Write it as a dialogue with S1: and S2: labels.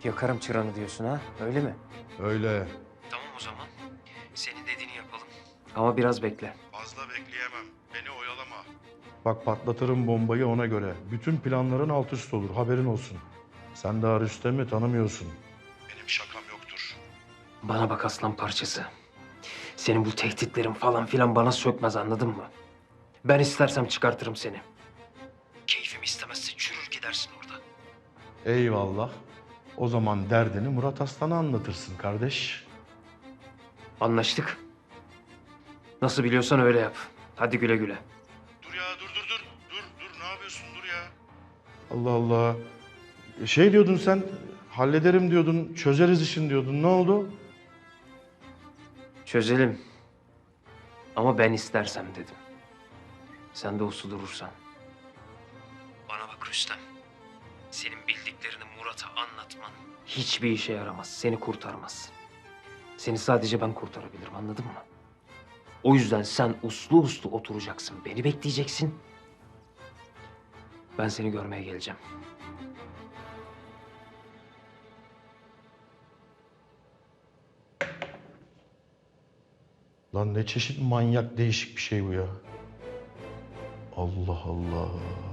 S1: Yakarım çıranı diyorsun ha, öyle mi?
S2: Öyle.
S1: Tamam o zaman. Senin dediğini yapalım. Ama biraz bekle.
S2: Fazla bekleyemem. Beni oyalama. Bak patlatırım bombayı ona göre. Bütün planların alt üst olur. Haberin olsun. Sen daha Rüstem'i tanımıyorsun. Benim şakam yoktur.
S1: Bana bak aslan parçası. Senin bu tehditlerin falan filan bana sökmez, anladın mı? Ben istersem çıkartırım seni. Keyfim istemezse çürür gidersin orada.
S2: Eyvallah. O zaman derdini Murat Aslan'a anlatırsın kardeş.
S1: Anlaştık. Nasıl biliyorsan öyle yap. Hadi güle güle.
S2: Dur ya dur. Dur ne yapıyorsun dur ya. Allah Allah. Şey diyordun sen, hallederim diyordun, çözeriz işin diyordun. Ne oldu?
S1: Çözelim. Ama ben istersem dedim. Sen de uslu durursan. Bana bak Rüstem. Senin bildiklerini Murat'a anlatman hiçbir işe yaramaz. Seni kurtarmaz. Seni sadece ben kurtarabilirim, anladın mı? O yüzden sen uslu uslu oturacaksın. Beni bekleyeceksin. Ben seni görmeye geleceğim.
S2: Lan ne çeşit manyak değişik bir şey bu ya. Allah Allah.